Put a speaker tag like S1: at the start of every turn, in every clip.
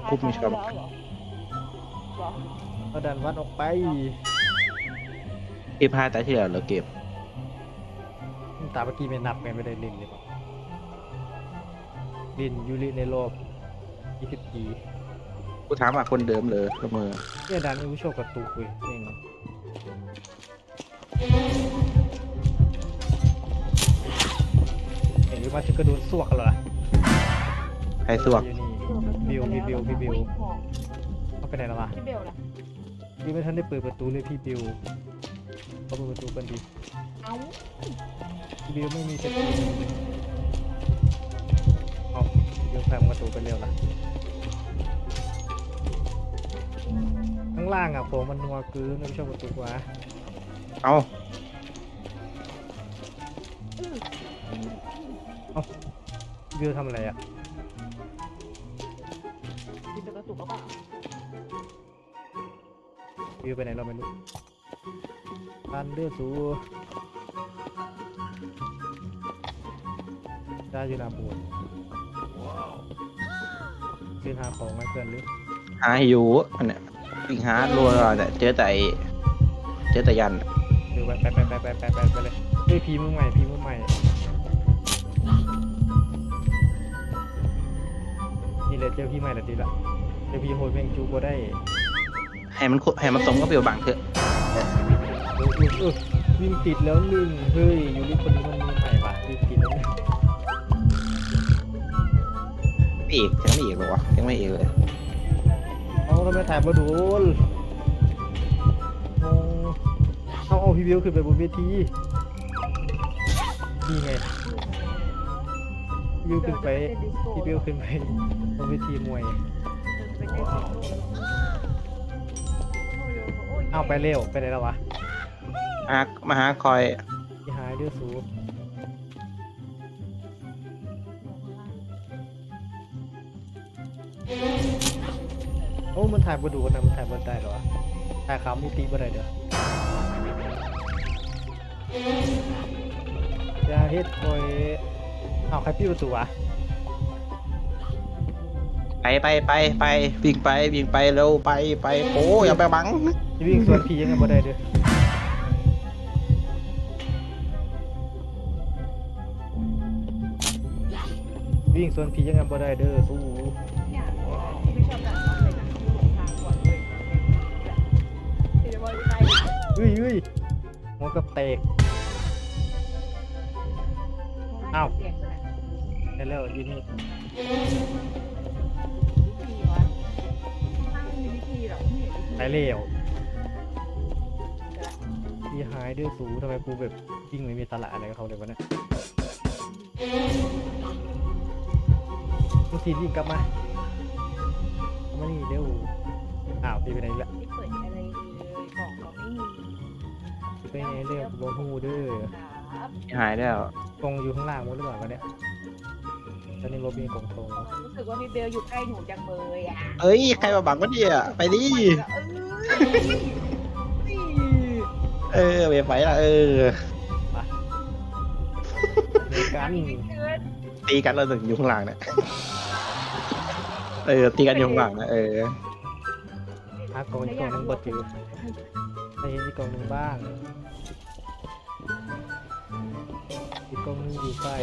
S1: คุบมีชอบ
S2: แล้วเหรอเหรอ
S3: เอาดันวัดออกไป
S1: เก็บ5 ตาที่แล้วเราเก็บ
S3: ตาเมื่อกี้ไม่นับไงไม่ได้ลินเลยลินยูริในรอบ20 ปี
S1: กูถามว่าคนเดิมเลยเสมอ
S3: เนี่ยดันอุโชคกระตุกเว้ยนี่ไงเห็นว่าถึงกระโดดสวกเหรอ
S1: ใครสวก
S3: อยู่นี่บิว
S2: อุ๊ยหอม
S3: เขาไปไหนแล้ววะ
S2: พี่เบลล่ะ
S3: พี่ไม่ทันได้เปิดประตูเลยพี่บิวเขาเปิดประตูกันดี
S2: เอ้า
S3: พี่บิวไม่มีสติเอาพี่บิวแพงประตูไปเร็วละข้างล่างอ่ะผมมันนัวกือไม่ชอบประตูวะ
S1: เอา
S3: พี่บิวทำอะไรอ่ะ
S2: พี่เบลกระตุกก็เปล่า
S3: พี่บิวไปไหนเราไม่รู้ปันเลือดสูได้อยู่หนาบูดซื้อหาของให้เพื่อนหรือ
S1: หาอยู่อันเนี้ยวิ่งหารัวแต่เจอแต่ยัน
S3: เดี๋ยวไปเลยเฮ้ยพีมือใหม่นี่เลยเจอพี่ใหม่ละดีละเจอพี่โหดแมงจูก็ได้
S1: ให้มันสมกับเปรียวบางเถอะ
S3: วิ่งติดแล้วหนึ่งเฮ้ยยูริคนนี้มันมือใหม่ว่ะวิ่งติดแล้วหนึ่ง
S1: ไม่อีกยังไม่อีกหรอวะยังไม่อีกเลย
S3: เอาทำไมถ่ายมาโดนเอาพี่บิวขึ้นไปบนเวทีนี่ไงพี่บิวขึ้นไปบนเวทีมวยเอาไปเร็วไปไหนแล้ววะ
S1: มาหาคอย
S3: พี่หายเดือดสูบโอ้มันถ่ายมาดูนะมันถ่ายมาได้เหรอวะถ่ายขาวมีตีมาได้เด้ออย่าเฮ็ดคอยเอาใครพี่ประตูวะ
S1: ไปวิ่งไปเร็วไปโอ้อย่าไปบัง
S3: จะวิ่งสวนผียังไงบ่ได้เด้อวิ่งสวนผียังไงบ่ได้เด้อสู้
S2: เนี่ยไม่ชอบแบบนั้นเลยนะหลงทางก่อนเลยพี่จะบอกใจ
S3: เฮ้ยหัวกับเตก อ้าว
S2: เสียงเลย
S3: ได้แล้วยิน
S2: วิธีวะถ้าไม่มีวิธีหรอกไม่เห็นวิธี
S3: ไปเร็วพี่หายเดือดสูทำไมกูแบบยิ่งไม่มีตลาดอะไรกับเขาเลยวะเนี่ยมึงทียิ่งกลับมานี่เร็วอ้าวพี่ไปไหนละ
S2: ไม่เปิดอะไรเลยกล่องก็ไม่มี
S3: ไปไหนเร็วบนหูเด้อ
S2: ครับ
S1: หายแล้ว
S3: กองอยู่ข้างล่างหมดหรือเปล่าวะเนี่ยตอนนี้รถมีกล่องทอง
S2: รู้สึกว่าพี่เบลอยู่ใกล้หนูจังเลยอ่ะ
S1: เอ้ยใครมาบังวะเนี่ยไปดิไปละ
S3: ในกัน
S1: ตีกันเราถึงอยู่ข้างหลังเนี่ยตีกันอยู่ข้างหลังนะ
S3: หากล่องอีกกล่องหนึงบดอยู่ใช้อีกกล่องหนึงบ้างอีกกล่องหนึงอยู่ใกล้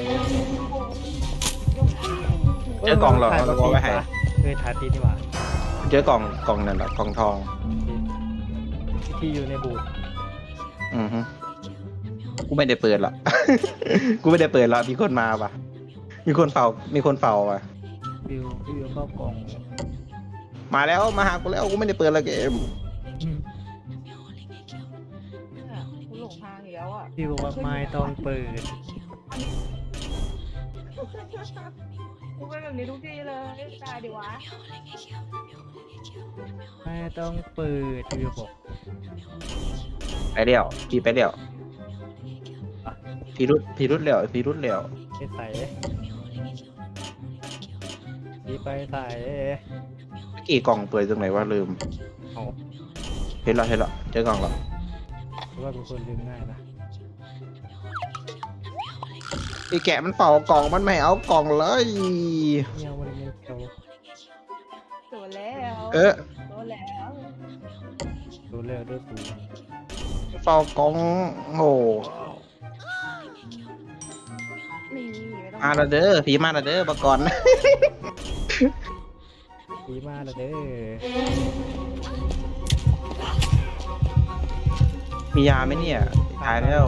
S1: เจอกล่องหรอเราบอกไว้ให้
S3: ถ่ายตีนี่หว่า
S1: เจอกล่องนั่นแหละกล่องทอง
S3: ที่อยู่ในบูธ
S1: อือฮึกูไม่ได้เปิดหรอก กูไม่ได้เปิดหรอกมีคนมาป่ะมีคนเฝ้าป่ะ
S3: วิวเข้ากล่อง
S1: มาแล้วมาหากูแล้วกูไม่ได้เปิดละเกม
S2: คุณหลงทางอีกแล้วอ่ะ
S3: พี่บอกว่าไม่ต้องเปิด
S2: กูเป็นแบบนี้ทุกทีเลยตายดิวะ
S3: ไม่ต้องเปิดพี่บอก
S1: ไปเดี่ยวพี่ไปเดี่ยวพี่รุดเดี่ยว
S3: ไปใส่พี่ไปใส่
S1: เมื่อกี้กล่องเปิดตรงไหนวะลืม
S3: เอา
S1: เห็นแล้วเจอกล่องแล้ว
S3: เพราะว่าเป็นคนลืมง่ายนะ
S1: ไอ้แกะมันเป่ากล่องมันไม่เอากล่องเลย
S3: เงี้ยวันนี้เกี่ยว
S2: ตัวแร
S1: เออ
S2: โดนแล้ว
S3: ดูเร็วด้วยสู
S1: เฝ้ากองโอ้
S2: นี่ไม่ต้อง
S1: มาและเด้อผีมาและเด้อปก่อน
S3: ดีมากเลยเด้อ
S1: มียาไหมเนี่ยตายแล้ว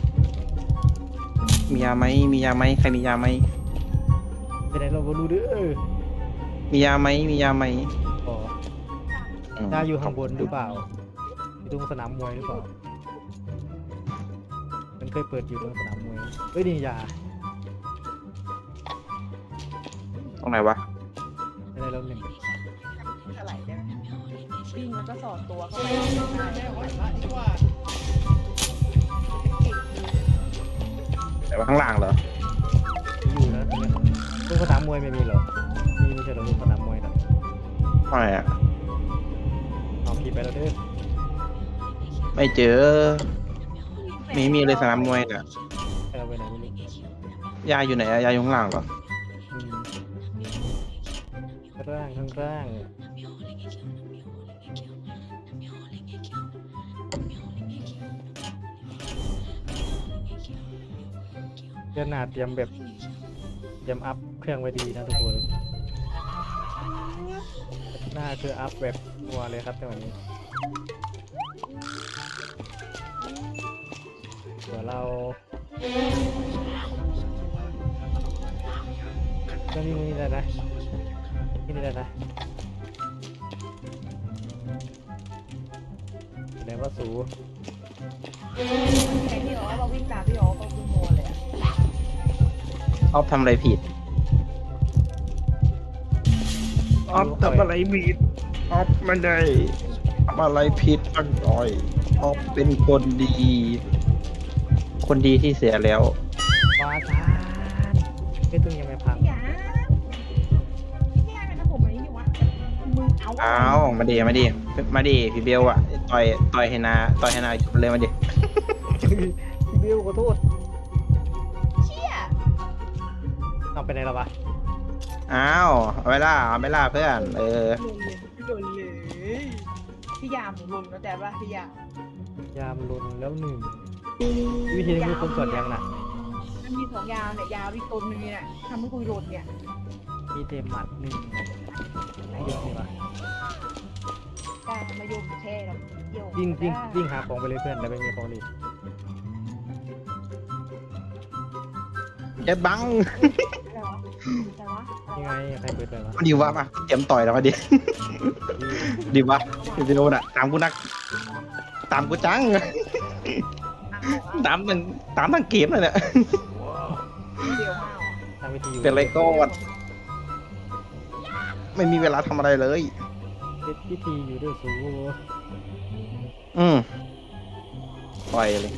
S1: มียาไหมมียาไหมใครมียาไหม
S3: ไปไหนเราบ่รู้เด้อ
S1: มียาไหมมียาไหม
S3: อ๋อ
S1: ม
S3: ยาอยู่ข้างบนหรือเปล่าอยู่ตรงสนามมวยหรือเปล่ามันเคยเปิดอยู่ตรงสนามมวยเอ้ยนี่ยา
S1: ตรงไหนวะ
S3: ไม่ได้เราหนึ่ง
S2: อะไรได้ไหมปิ้งแล้วก็สอดตัวเข้าไปได้ไหวละดีกว่า
S1: แต่ว่าข้างล่างเหรอ
S3: อยู่นะตรงเนี้ยตรงสนามมวยไม่มีเหรอมีไม่ใช่เหรอตรงสนามมวยนะ
S1: ไม่อะ
S3: เอาพี่ไปแล้วเด้อ
S1: ไม่เจอไม่มีเลยสนามมวยน่ะ
S3: ให้เราไปไหนไม่รู้
S1: ยาอยู่ไหนอะยาอยู่ข้างล่างเหรอ
S3: อืมข้างล่างข้างล่างเดือนหน้าเตรียมแบบเตรียมอัพเครื่องไว้ดีนะทุกคนหน้าคืออัพแบบนัวเลยครับจังหวะนี้เดี๋ยวเราก็นี่ได้นะนี่ได้นะแสดงว่าสู
S2: ไอ้ที่บอกว่าเราวิ่งตามพี่อ๋อก็คือโมเลยอ่ะ
S1: ออฟทำอะไรผิดออฟทำอะไรผิดออฟไม่ได้ทำอะไรผิดตั้งหน่อยออฟเป็นคนดี คนดีที่เสียแล้ว
S3: วาซานไอ้ยตึงยังไม่พัง
S2: พี่ยาพี่ยาเป็นผมอันนี้อยู่วะมึงเอา
S1: อ้าวมาดีมาดีมาดีพี่เบลอะต่อยให้นาจบเลยมาดิ
S3: พี่บิวขอโทษ
S2: เชี่ย
S3: เอาไปไหนแล้ววะ
S1: อ้าวเอาไม่ล่าเพื่อน
S2: โดนเลยพี่ยามหลุนแล้วแต่ว่าพี่ยาม
S3: ยามลุนแล้วหนึ่งวิธีนี้มีคนสวดยังน่ะ
S2: มันมี2 ยาวเนี่ยยาวอีกต้นนึงเนี่ยทำให้คุยหลุนเนี่ย
S3: มีเต็มหมัดหนึ่งเยอะดีวะ
S2: ได้มาโยมแช่เราเกี่ยว
S3: วิ่งหาของไปเลยเพื่อนแต่ไม่มีของดี
S1: เจ็บบัง
S2: แต่ว่า
S3: ยังไงใครเปิดไปวะ
S1: มาดีวะมาเตรียมต่อยแล้วมาดิ ดีวะพี่เบลน่ะตามกูนักตามกูจังตามทั้งเกมเลยเนี่ย
S2: เดียวมาก
S3: ทางวิธีอยู่
S1: เป็นไรก็ไม่มีเวลาทำอะไรเลย
S3: เป็นพิธีอยู่ด้วยสู
S1: ปล่อยเลย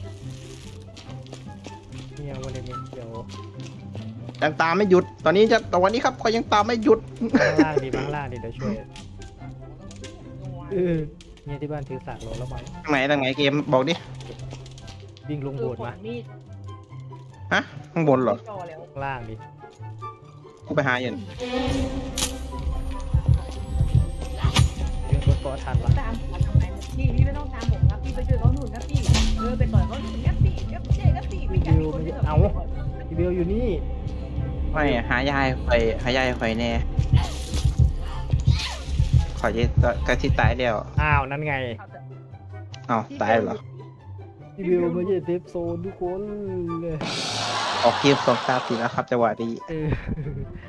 S3: เนี่ยวันนี้เดี๋ยว
S1: ยังตามไม่หยุด ตอนนี้ครับเขายังตามไม่หยุด
S3: ข้างล่างดีเดี๋ยวช่วยเนี่ยที่บ้านถือสากโลแล้วมั้ง
S1: ทางไหนเกมบอกดิ
S3: วิ่งลงโบสถ์มา
S2: มีด
S1: ฮะ ข้างบนเหรอ
S2: จ่อแล้ว
S3: ข้างล่างดิ
S1: กูไปหาอยู่
S3: ยืนรถเกาะทันวะ
S2: ตามทำไมพี่ไม่ต้องตามผมครับพี่ไปช่วยเขาหนุนครับพี่ไปต่อยเขาหนุนครับพี่ครับเจ๊ครับพี่ไม่อยากมีคนที่
S3: พี่เบลอยู่นี่
S1: ไม่หายายไฟแน่ขอจะกระที่ตายแล้ว
S3: อ้าวนั่นไง
S1: เอ้าตายเหรอ
S3: พี่เบลไม่ใช่เซฟโซนทุกคนเลย
S1: ออกเกม2-3 4แล้วครับจังหวะนี้
S3: เออ